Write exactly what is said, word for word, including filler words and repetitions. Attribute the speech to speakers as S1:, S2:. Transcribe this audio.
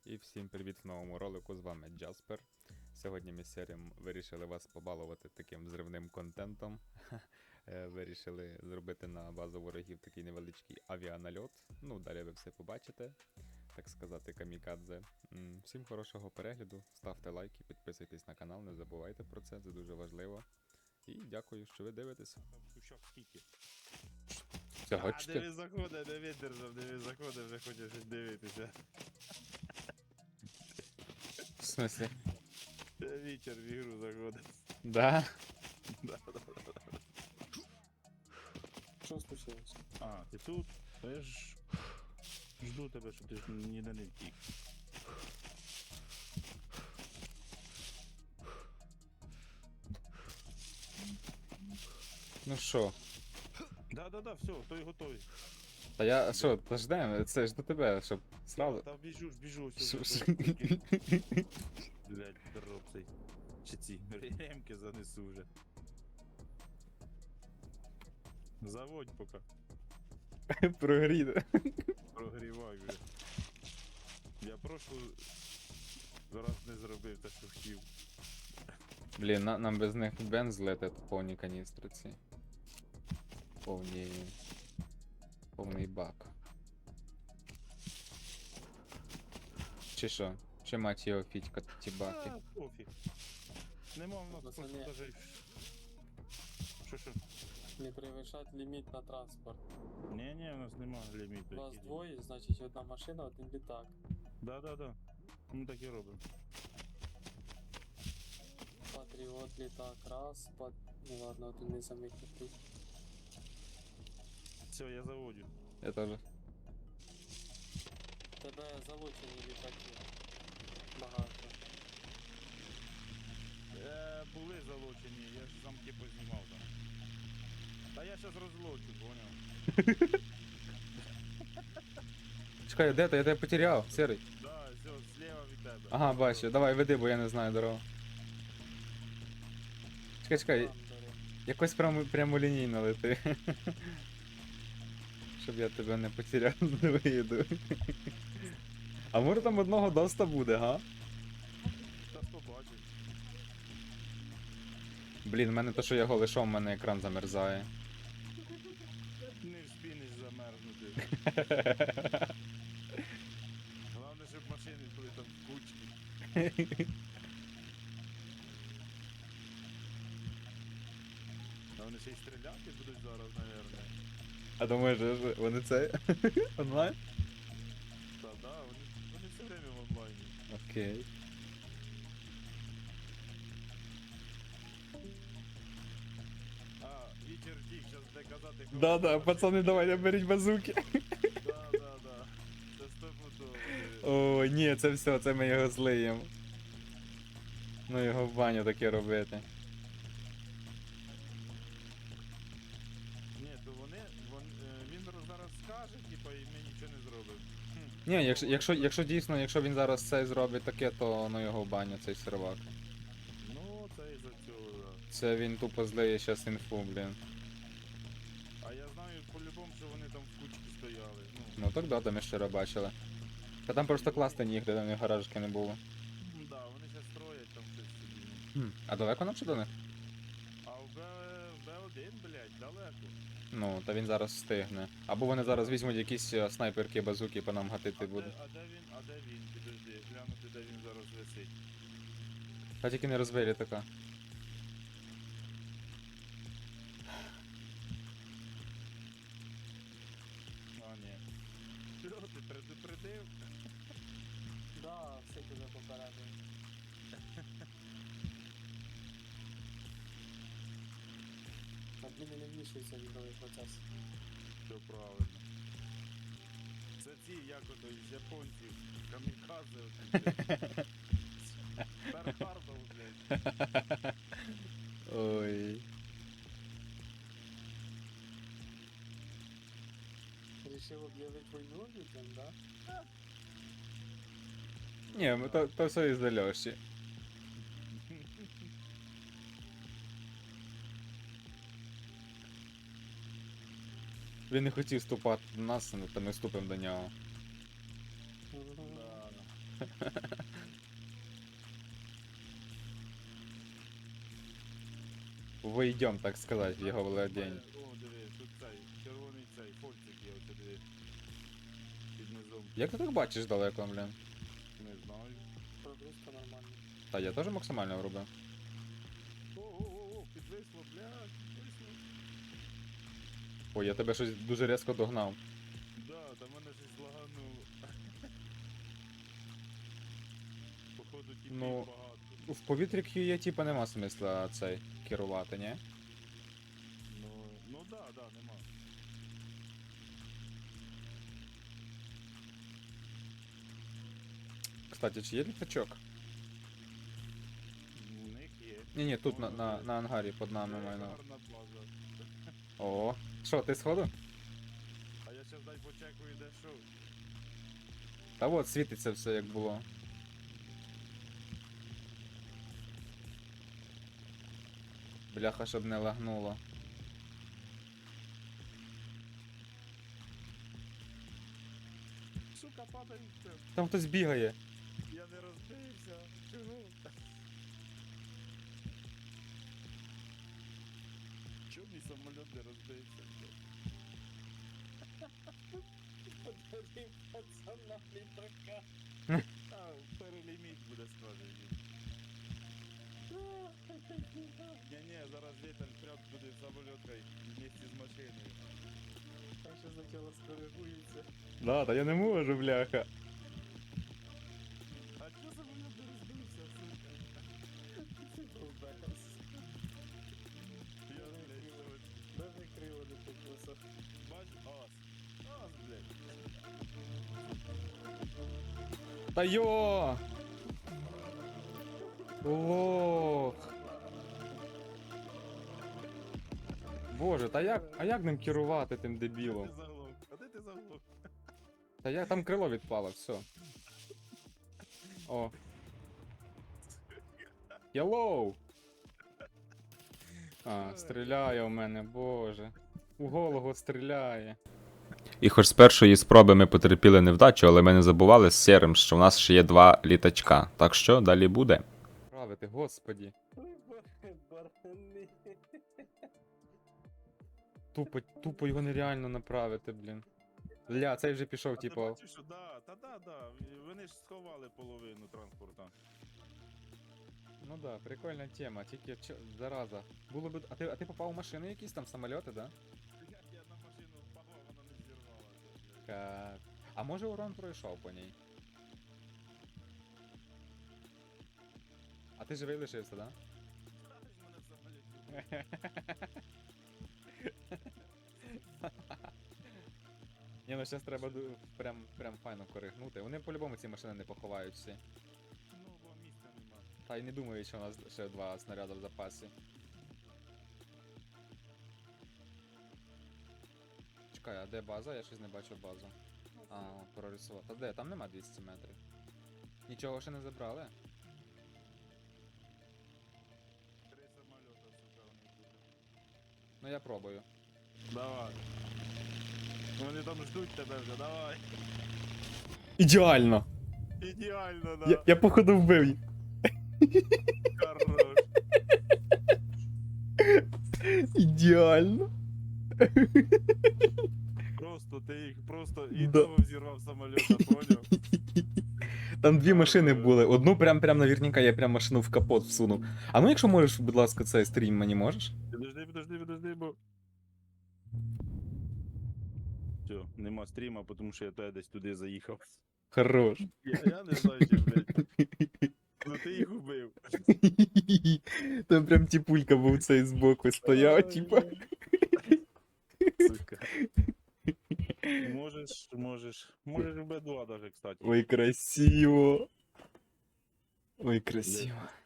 S1: І всім привіт в новому ролику, з вами Джаспер. Сьогодні ми з серією вирішили вас побалувати таким взривним контентом. Е, Вирішили зробити на базу ворогів такий невеличкий авіанальот. Ну, далі ви все побачите, так сказати, камікадзе. М, Всім хорошого перегляду, ставте лайки, підписуйтесь на канал, не забувайте про це, це дуже важливо. І дякую, що ви дивитесь.
S2: Кущок скільки?
S1: Все,
S2: А,
S1: хочете?
S2: диви заходить, не видержав, диви заходить, вже хоче щось дивитися.
S1: В смысле?
S2: Вітер в ігру заходить.
S1: Да?
S2: Да, да, да.
S3: Що случилось?
S2: А, ти тут? Та я ж жду тебе, щоб ти ж ніде не втік.
S1: Ну що?
S2: Да, да, да, все, той готовий.
S1: Та я, що, та ждемо, це ж до тебе, щоб сразу...
S2: Та біжу ж, біжу,
S1: Що-
S2: все.
S1: що?
S2: Блять, дроб цей. Чи ці ремки занесу вже. Заводь поки.
S1: Прогріде.
S2: Прогрівай вже. Я прошлу раз не зробив те, що хотів.
S1: Блін, на, нам без них бенз злетить повні каністри ці. Повні... Повний бак. Чи що? Чи мать його фітька ті баки?
S2: А, пофіг. Нема в нас просто
S3: Пацани.
S2: даже... Що що?
S3: Не перевищать ліміт на транспорт.
S2: Ні, ні, у нас нема ліміту.
S3: Вас
S2: який
S3: двоє, значить одна машина, один літак.
S2: ліміт. Да, да, да. Ми так і робимо.
S3: Патріот літак, раз, пат... Ну ладно, один не самих літак.
S2: Все, я заводю.
S1: Я теж.
S3: Тебе залучені літаки. Багато.
S2: Е, були залочені, я ж замки познімав там. Та я щас розлочу, поняв?
S1: Чекай, де ти? Я тебе потеряв, серий.
S2: Да, все, зліва від тебе.
S1: Ага, бачу, давай веди, бо я не знаю дорогу. Чекай, чекай,
S3: Там, бере.
S1: якось прямо, прямолінійно лети. Щоб я тебе не потеряв з виїду. А може там одного доста буде, га?
S2: Щас побачиш.
S1: Блін, в мене то, що я голишом, в мене екран замерзає.
S2: Не вспінеш замерзнути. Головне, щоб машини були там в кучці. А вони ще й стріляти будуть зараз, наверное.
S1: А думаєш, що вони це онлайн?
S2: Та да, вони, вони все время в онлайні.
S1: Окей.
S2: А, вітер тік, зараз де казати. кого
S1: Да-да,
S2: зараз.
S1: пацани, давайте беріть базуки.
S2: Да, да, да. Це стопудово.
S1: О, ні, це все, це ми його злиємо. Ну його в баню таке робити.
S2: Ні, то вони, вон, е, він зараз скаже, типа, і ми нічого не зробимо. Хм.
S1: Ні, якщо, якщо, якщо дійсно, якщо він зараз це зробить таке, то ну його в баню, цей сервак.
S2: Ну, це із-за цього, да.
S1: Це він тупо злиє щас інфу, блін.
S2: А я знаю по-любому, що вони там в кучці стояли. Ну,
S1: Ну так да, там ми вчора бачили. Та там просто класти нігде, там і гаражки не було.
S2: м, да, вони ще строять там щось собі. ну.
S1: Хм. А далеко нам ще до них?
S2: А в Б, в Б один, блядь, далеко.
S1: Ну, та він зараз встигне. Або вони зараз візьмуть якісь е, снайперки, базуки по нам гатити
S2: А де,
S1: будуть.
S2: а де він, а де він, підожди, глянути, де він зараз висить.
S1: Та тільки не розбері така.
S2: А, ні. Що, ти предупредив?
S3: Да, все тебе попередив. Адміни не вмішуються в ігровий процес.
S2: Все правильно. Це ці, як ото, із японців, камікадзе, оті, Стархардов, блядь.
S1: Ой.
S3: Рішив об'явити війну людям, да?
S1: Ні, ми то, то все із-за Льоші. Він не хотів вступати до нас, то ми вступимо до нього.
S3: Мгм.
S2: Да, да.
S1: Войдем, так сказать, в його владіння.
S2: О, диви, тут цей, червоний цей, фольцик є, ось диви. Під низом.
S1: Як ти так бачиш далеко, блін?
S2: Не знаю.
S3: Прогрузка нормальна.
S1: Та я теж максимально врубив.
S2: О-о-о, підвисло, блядь, підвисло.
S1: Ой, я тебе щось дуже різко догнав.
S2: Да, там мене щось лагануло. Походу тіпів
S1: Ну,
S2: багато.
S1: В повітрі Q є, типа, нема смисла цей керувати, ні?
S2: Ну, ну да, да, нема.
S1: Кстати, чи є літачок?
S2: У них є.
S1: Ні, ні, тут на, на, на ангарі під нами
S2: Це
S1: маю на.
S2: гарна база.
S1: О, що, ти сходу?
S2: А я щас дай почекаю, де що.
S1: Та от світиться все як було. Бляха, щоб не лагнуло.
S2: Сука, падається.
S1: Там хтось бігає.
S2: Я не розбився. Чого? Чому мій самоліт не розбився?
S3: Подари пацана літака.
S2: А, переліміт буде скажений. Ні-ні, зараз вітер прям буде в самоліт вместе з машиною.
S3: Там ще спочатку скоригується.
S1: Да, та я не можу, бляха.
S2: А чого самоліт не розбився, сука?
S3: Довбес.
S2: Я, блядь, що?
S3: Даже криво не покусав.
S2: Бач, ас. Ас, блядь.
S1: Та йо! Лох! Боже, та як, а як ним керувати тим
S2: А
S1: дебілом?
S2: ти заглох? А де ти заглох?
S1: Та я там крило відпало, все. О. Hello! А, стріляє у мене, боже. У голову стріляє. І хоч з першої спроби ми потерпіли невдачу, але ми не забували з Сєрим, що в нас ще є два літачка. Так що далі буде. Правити, господі.
S3: Ой, барани.
S1: Тупо, тупо його нереально направити, блін. Ля, цей вже пішов,
S2: А ти
S1: типу.
S2: бачиш, що да, та да, да. Вони ж сховали половину транспорта.
S1: Ну да, прикольна тема, тільки чо, зараза. Було б. А ти, а ти попав у машини якісь там самольоти, да?
S2: Як я на машину впав, вона не зірвалася. блядь.
S1: Ка... А може урон пройшов по ній? А ти живий лишився, да?
S2: Ставиш мене в самоліті.
S1: Ні, ну зараз треба ду- прям, прям файно коригнути. Вони по-любому ці машини не поховають всі.
S2: Ну, бо місця нема.
S1: Та й не думаю, що у нас ще два снаряди в запасі. Чекай, а де база? Я щось не бачу базу. А, прорисував. Та де? Там нема двісті метрів. Нічого ще не забрали?
S2: Три самоліта, сука, у них буде.
S1: Ну я пробую.
S2: Давай. Вони там ждуть тебе вже, давай.
S1: Ідеально!
S2: Ідеально, да.
S1: Я, я походу вбив їх.
S2: Хорош.
S1: Ідеально.
S2: Просто ти їх просто і
S1: Да.
S2: того взірвав самоліта, поняв?
S1: Там дві машини були. Одну прям прям наверняка я прям машину в капот всунув. А ну якщо можеш, будь ласка, цей стрім мені можеш?
S2: Підожди, підожди, підожди, бо. Все, нема стріма, тому що я туди десь туди заїхав.
S1: Хорош.
S2: Я, я не знаю, чи, блядь. Ну ти їх убив.
S1: Там прям тіпулька був цей збоку стояв, типа.
S2: Сука. Можеш, можеш. Можеш в Б два даже, кстати.
S1: Ой, красиво. Ой, красиво.